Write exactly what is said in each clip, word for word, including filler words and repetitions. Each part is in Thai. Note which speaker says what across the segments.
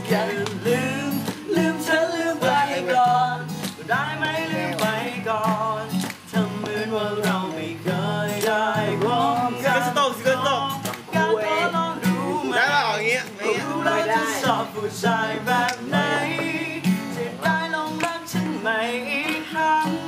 Speaker 1: อย่าลืมลืมฉันลืมไปก่อนได้ไหมลืมไปก่อนทำเหมือนว่าเราไม่เคยได้พบกันสต๊อกสต๊อกการขอลองดูไหมได้ป่ะอย่างเงี้ยไม่ได้ชอบผู้ชายแบบไหนจะได้ลองรักฉันไหมอีกครั้ง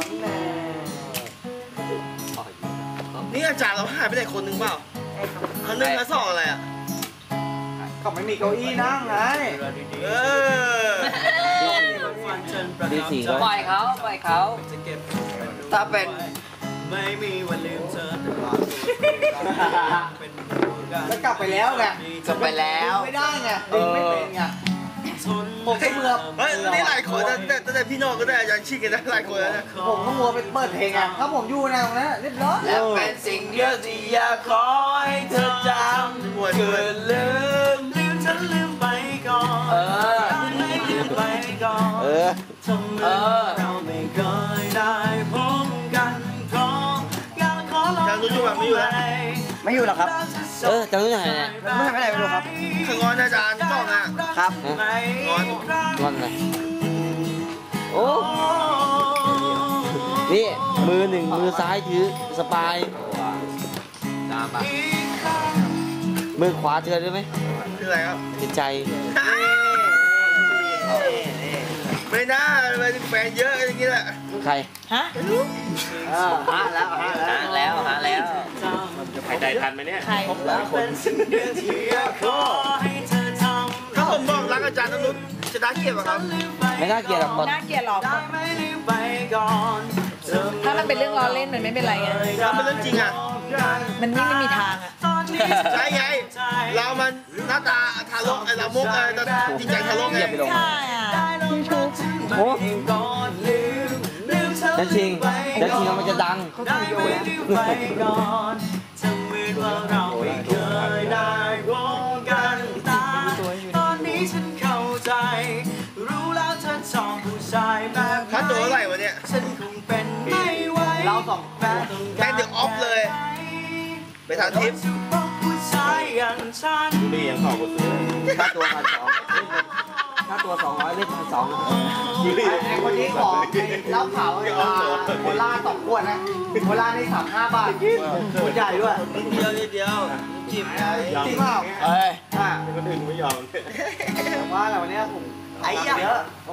Speaker 1: นี่อาจารย์เราหายไปไหนคนหนึ่งเปล่าเขาหนึ่งแล้วสองอะไรอ่ะ
Speaker 2: เขาไม่มีเก้าอี้นั่งไง
Speaker 1: เออ
Speaker 3: ดีสี่ก็
Speaker 4: ปล่อยเขาปล่อยเขาถ้าเป็น
Speaker 1: ไม่มีวันลืมเธอ
Speaker 2: แล้วกลับไปแล้วไง
Speaker 4: จบไปแล้ว
Speaker 2: ไม่ได้ไงดึงไม่เป็นไงผมก็เมื่อ
Speaker 1: เฮ้ยนี่หลายคนแต่แต่พี่น้องก็ได้อาจารย์ชิคกันได้หลายคนแล้วนะ
Speaker 2: ผมก็มัวไปเปิดเพลงไงถ้าผมอยู่นะตรงนั้นเรียบร้อย
Speaker 4: และเป็นสิ่งเดียวที่อยากขอให้เธอจำคือลืม
Speaker 1: ลืมฉันลืมไปก่อนเออไม่ลืมไปก่อนเออทำไมเราไม่เคยได้พบกันเพราะอยากขอลองดูไม่อยู่แล้ว
Speaker 2: ไม่อยู่หรอกครับ
Speaker 3: เออจำได้ยังไงเนี่ย
Speaker 2: ไม่ไปไหนไม่รู้ครับ
Speaker 1: คืองอนอาจารย์กล้องอ่ะ
Speaker 2: ครับ
Speaker 1: งอน
Speaker 3: งอนเลยโอ้นี่มือหนึ่งมือซ้ายถือสปายมือขวาเจอได้ไหม
Speaker 1: คืออะไรครับ
Speaker 3: จิตใจ
Speaker 1: ไม่น่าไปแฟนเยอะอย่างนี้แหละ
Speaker 3: ใคร
Speaker 4: ฮะ
Speaker 2: หาแล้วหา
Speaker 4: แล้วหาแล้ว
Speaker 5: ใครใจทันไหมเนี่ย
Speaker 4: ใคร
Speaker 1: หลายคนถ้าผมบอกรักอาจารย์นรุตจะน่าเกลียดป่ะครับ
Speaker 3: ไม่น่าเกลียดหรอก
Speaker 4: น่าเกลียดหรอกถ้ามันเป็นเรื่องล้อเล่นมันไม่เป็นไรไง
Speaker 1: ถ้าเป็นเรื่องจริงอ่ะ
Speaker 4: มันไม่ไม่มีทางอ่ะ
Speaker 1: ใช่ไงเรามันหน้าตาทารกไอ้เรามุกไอ้จริงใจทารกไง
Speaker 4: ใช่อ่ะ
Speaker 3: โอ้นั่นจริงนั่นจริงมันจะดัง
Speaker 1: ได้ไม่ลืมไปก่อนทำเหมือนว่าเราไม่เคยได้พบกันตาตอนนี้ฉันเข้าใจรู้แล้วเธอชอบผู้ชายแบบค่าตัวเท่าไหร่วะเนี่ยฉันคงเป็นไม่ไหว
Speaker 2: เราสอง
Speaker 1: แม่เดี๋ยวออฟเลยไปทางทิปผู้ชายอย่างฉัน
Speaker 5: นี่ยังขอกูซื้อ
Speaker 2: ค่าตัวพันสองค่าตัวสองร้อยเล่นพันสองไอ้คนนี้ขอเล่าข่าวโคล่าสองขวดนะโคล่านี่สามห้าบาทขวดใหญ่ด้วย
Speaker 1: นิดเดียวนิดเดียวจิบ
Speaker 2: จริงเปล่า
Speaker 5: เอ้ยคนอื่นไม่ยอม
Speaker 2: ว่าแต่วันนี้ผมไอ้เยอะ